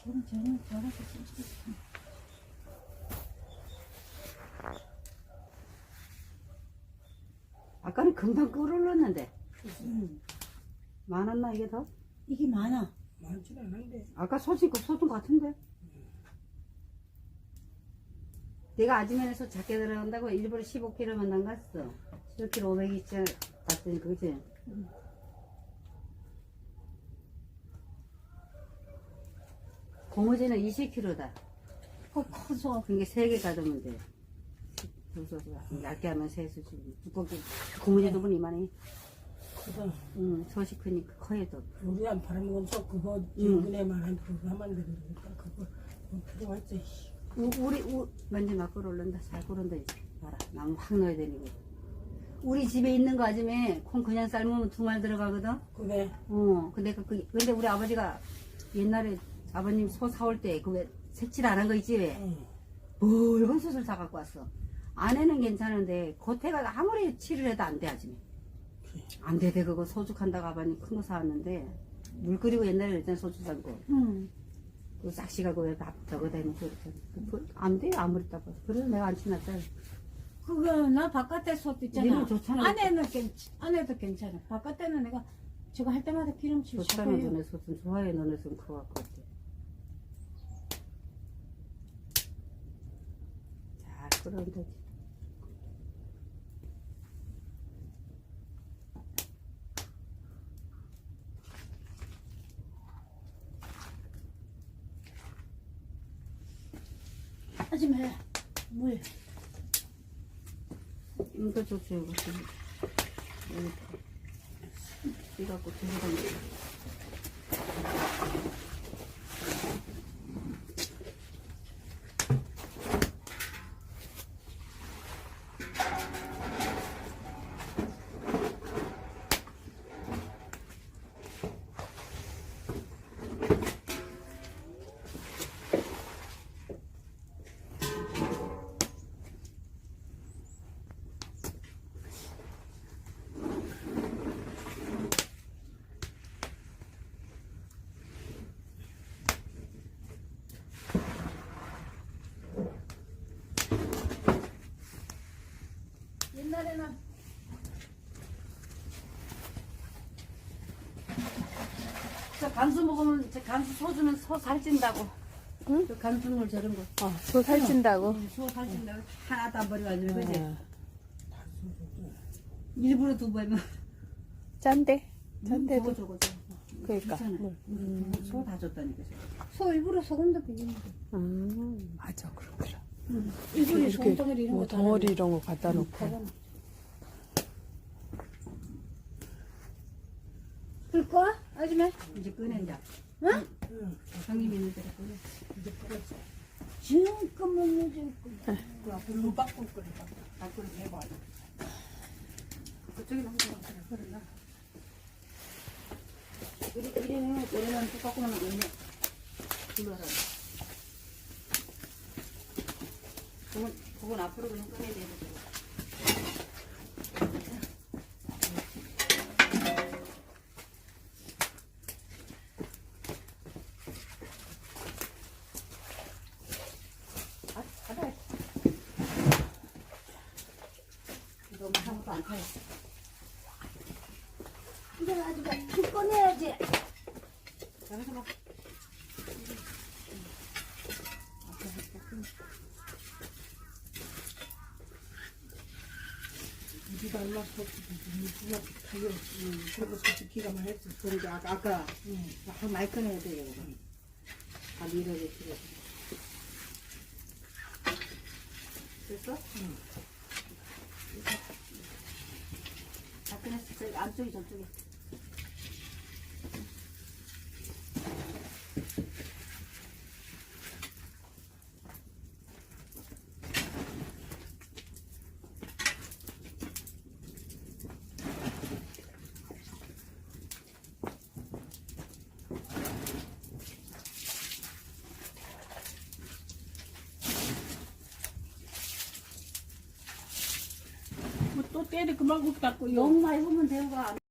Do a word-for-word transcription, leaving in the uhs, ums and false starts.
그럼 저는 저렇게 쓰지. 아까는 금방 끓을렀는데 음. 많았나 이게 더? 이게 많아. 많지는 않은데. 아까 소진 거 소준 같은데? 내가 아침에서 작게 들어간다고 일부러 십오 킬로그램만 안 갔어. 십오 킬로그램 오백 이천 갔더니 그거지. 음. 고무지는 이십 킬로그램다. 그 커서. 그게 세 개 가두면 돼. 그래서 얇게 하면 세 수지. 두껍게 고무지도 보니 이만해. 그래서 응, 소식 크니까 커야도. 우리 안 팔아먹은 속 그거 지분에만한 그거 하면 되니까 그거 뭐 필요할지. 우, 우리 우 먼저 막 끓어올른다. 잘 끓는다 이제. 봐라, 나무 확 넣어야 되는 거. 우리 집에 있는 거 아침에 콩 그냥 삶으면 두 말 들어가거든. 그래. 어, 근데 그, 그 근데 우리 아버지가 옛날에 아버님 소 사올 때 그 왜 색칠 안 한 거 있지 왜? 응. 붉은 솥을 사 갖고 왔어. 안에는 괜찮은데 겉에가 아무리 칠을 해도 안 돼 아침에. 안 돼, 돼 그거 소죽한다고 아버님 큰 거 사왔는데 물 끓이고 옛날에 그랬잖아 소주 삶고. 응. 그 싹시가 그왜밥 저거 대놓고 이렇게 안 돼요 아무리 따봐서. 그래서 내가 안 친났잖아. 그거 나 바깥에 솥 있잖아. 니는 좋잖아. 안에는 괜 안에도 괜찮아. 바깥에는 내가 저거 할 때마다 기름칠 좋잖아 샤워해요. 너네 솥은 좋아해 너네 솥은 그거 갖고 왔대. 잘 끓으면 되지. 하지마. 물. 이거 좋지 이거 좀 여기 이갖고 두고 다니. 옛날에는 저 간수 먹으면 저 간수 소주면 소 살찐다고. 응? 저 간수물 저런 거. 어, 소 살찐다고. 소 살찐다고 하나도 안 버려가지고 그지. 어, 일부러 두고 하면 짠데. 저거 짠데도. 저거 저거. 그러니까. 괜찮아. 물. 소 다 줬다니까. 저거. 소 일부러 소금도 비비는 거. 음, 맞아, 그렇더라. 일부러 이렇게 소금 덩어리 이런 뭐 거 덩어리 이런 거 갖다 놓고. 불 꺼? 아줌마? 이제 꺼낸다. 응? 응. 형님 있는 대로 꺼내. 이제 끓었어. 지금까만 요즘 그 앞에 물 바꿀 거리 바꿔. 바꿀 해봐. 그쪽에 한번 그러나. 이리 이리는 이리는 똑같고 나면 있네. 불러라. 그건 그건 앞으로 그냥 꺼내야 돼. 아, 받아. 너무 아무것도 안 타요. 이제 아줌마 불 꺼내야지. 자, 해서 봐. 우리가 얼마 속 누가 타요. 응. 그리고 솔직히 기가 막혔어. 그러니까 아까, 아까 응. 한 마이크 내야 돼, 이거. 다 밀어야 필요 됐어? 응. 다 끝냈어. 저기 안쪽이 저쪽에. 뭐 또 때리 그만 굽 닦고 너무 많이 보면 되고 안